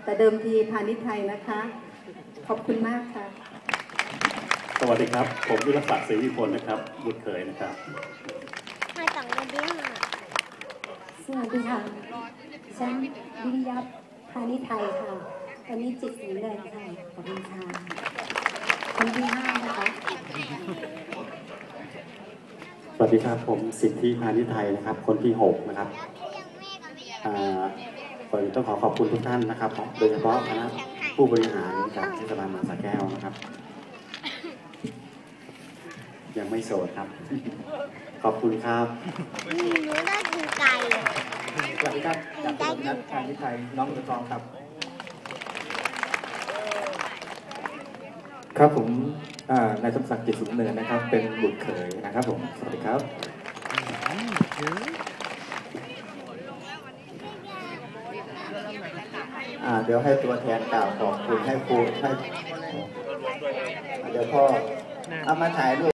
แต่เดิมทีพาณิชย์ไทยนะคะขอบคุณมากค่ะสวัสดีครับผมวิรศักดิ์ศรีวิพลนะครับบุตรเขยนะครับมาจากเดือนสวัสดีค่ะฉันวิริยะพาณิชย์ไทยค่ะตอนนี้จิตสีแดงค่ะขอบคุณค่ะคนที่5นะคะสวัสดีครับผมสิทธิพาณิชย์ไทยนะครับคนที่6นะครับผมต้องขอบคุณทุกท่านนะครับโดยเฉพาะคณะผู้บริหารจากเทศบาลเมืองสระแก้วนะครับยังไม่โสดครับขอบคุณครับหนูได้กินไก่สวัสดีครับจากถนนนัดพาณิชย์ไทยน้องเรือทองครับครับผมนายสมศักดิ์จิตสุขเนินนะครับเป็นบุตรเขยนะครับผมสวัสดีครับเดี๋ยวให้ตัวแทนกล่าวขอบคุณให้ครูให้เดี๋ยวพ่อเอามาถ่ายรูป